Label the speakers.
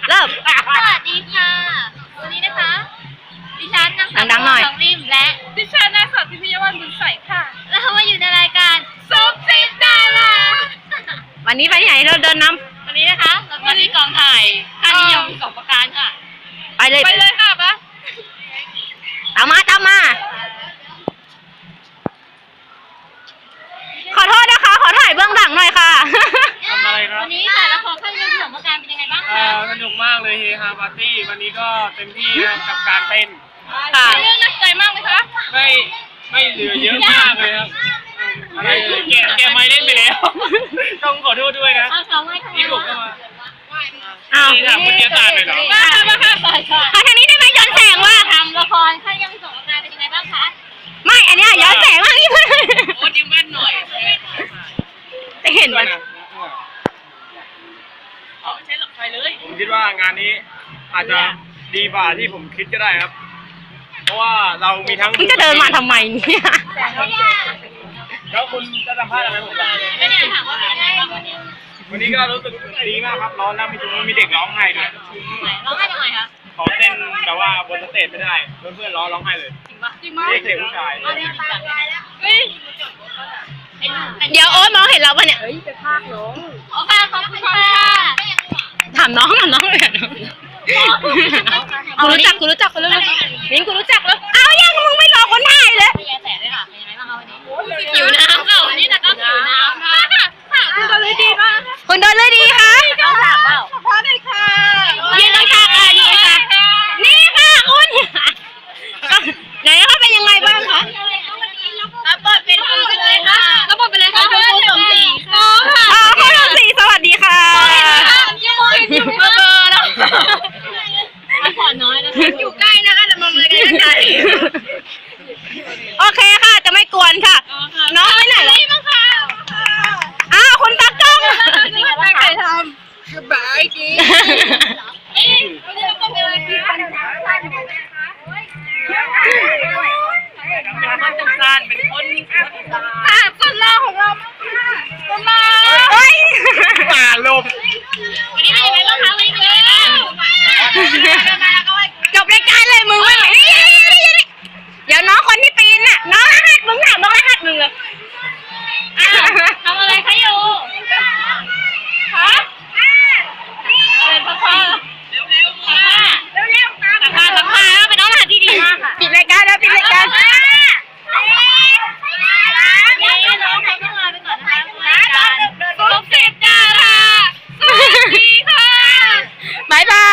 Speaker 1: เริ่ม
Speaker 2: สวัสดีค่ะวันนี้นะคะดิฉันนางสาว
Speaker 1: ดังๆหน่อย
Speaker 2: สองริมและดิฉันนางสาวพิมพิยวันบุญใสค่ะแล้วเรามาอยู่ในรายการซุปซิปดารา
Speaker 1: วันนี้ไปที่ไหนเราเดินนำ
Speaker 2: วันนี้นะคะเรามาที่กองถ่ายค่านิยมสองประการค่ะ
Speaker 1: ไปเลย
Speaker 2: ไปเลยค่ะปะ
Speaker 1: ตามมา ขอโทษนะคะ ขอถ่ายเบื้องหลังหน่อยค่ะ
Speaker 3: ทำอะไรครับ
Speaker 2: วันนี้ค่ะละครค่านิยมสองประการเป็นยังไงบ้างคะ
Speaker 3: สนุกมากเลยเฮฮาปาร์ตี้วันนี้ก็เต็มที่นะครับกับการเต้น
Speaker 1: ค่ะ
Speaker 2: เรื่องน่าสนใจมากไหมคะ
Speaker 3: ไม่เหลือเยอะมากเลยครับอะไรเลยแกไม่เล่นไปแล้ว ต้องขอโทษด้วยนะ
Speaker 2: เอาเขาไว้ทำไม
Speaker 3: ที่ผมก็มา
Speaker 1: อ้าว
Speaker 3: นี่ถามวิทยาศาสตร์เลยเหรอ
Speaker 2: มาค่ะต่อยค่ะ
Speaker 1: ทางนี้ได้ไหมย้อนแสงว่า
Speaker 2: ทำละครค่านิยมสองประการเป็นยังไงบ้างคะ
Speaker 1: ไม่ อันเนี้ยย้อนแสงมากนี่
Speaker 3: โอ้ยิ้มแว่นหน่อย
Speaker 1: จะเห็นมัน
Speaker 3: ไม่ใช่หลักไฟเลยผมคิดว่างานนี้อาจจะดีกว่าที่ผมคิดก็ได้ครับ เพราะว่าเรามีทั้ง
Speaker 1: มึงจะเดินมาทำไมเนี่ย
Speaker 3: แล้วคุณจะสัมภาษณ์อะไรผมบ้าง
Speaker 2: ไม่ได้ถามว่าเป็นยังไงบ้างวันนี้
Speaker 3: วันนี้ก็รู้สึกดีมากครับร้อนแล้วมีเด็กร้องไห้ด้วย
Speaker 2: ร้องไห้ทำไมคะ
Speaker 3: เขาเต้นแต่ว่าบนสเตจไม่ได้เพื่อนๆร้องไห้เลย
Speaker 2: จริงปะจริงมั้ย
Speaker 3: เด็กเด็กผู้ชาย
Speaker 2: เฮ้ย
Speaker 1: เดี๋ยวโอ๊ตมองเห็นเราปะเนี่ย
Speaker 2: โอเคขอบคุณค่ะ
Speaker 1: ถามน้องเลยอะกูรู้จักคนแล้วมิ้นกูรู้จักแล้วเอายังมึงไม่รอคนถ่ายเลย
Speaker 2: พี่แย่แสเลยค่ะเป็นยังไงบ้างคะวันนี้หิวน้ำค่ะวันนี้แต่ก็หิวน้ำค่ะคุณเดินเลยดีมาก
Speaker 1: คุณเดินเลยดีค่ะ
Speaker 2: ต้องถามเปล่า
Speaker 1: พอได้ค่ะยืนข้างๆค่ะยืนค่ะนี่ค่ะคุณไหนคะเป็นยังไงบ้างคะ
Speaker 2: รับบทเป็นคุณเลยค่ะรับบทเป็นอะไรคะคุณครูสมศรีค่ะ
Speaker 1: คุณสมศรีสวัสดีค่ะ
Speaker 2: ยังมองอยู่เบอร์แล้วพักผ่อนน้อยนะคะอยู่ใกล้นะคะแต่มองเลยใกล้
Speaker 1: โอเคค่ะจะไม่กวนค่ะ น้องไปไหนแล้ว
Speaker 2: บ้างค่ะ
Speaker 1: อ้าวคุณตากล้อง
Speaker 2: ตั้งใจทำสบายดีวันนี้เราต้องเป็นอะไรคะคนจังซานเป็นคนคนล่าของเราคนล่า
Speaker 1: เฮ้ย
Speaker 3: ป่าลม
Speaker 2: วันนี้เป็นยังไงบ้างคะวันนี้เป็นยังไงบ้าง
Speaker 1: จบรายการเลยมึงไม่ไหวเดี๋ยวน้องคนที่ปีนน่ะน้องรหัสมึงถามน้องรหัสมึงเลย
Speaker 2: ทำอะไรคะอยู่ฮะอะไรพ่อเร็วๆค่ะสัมภาษณ์ก็เป็นน้องรหัสที่ดีมากค่ะ
Speaker 1: ปิดรายการแล้วปิดรายการ
Speaker 2: นี่น้องเขาต้องลาไปก่อนนะคะรายการซุปซิปดาราสวัสดีค่ะ
Speaker 1: บ๊ายบาย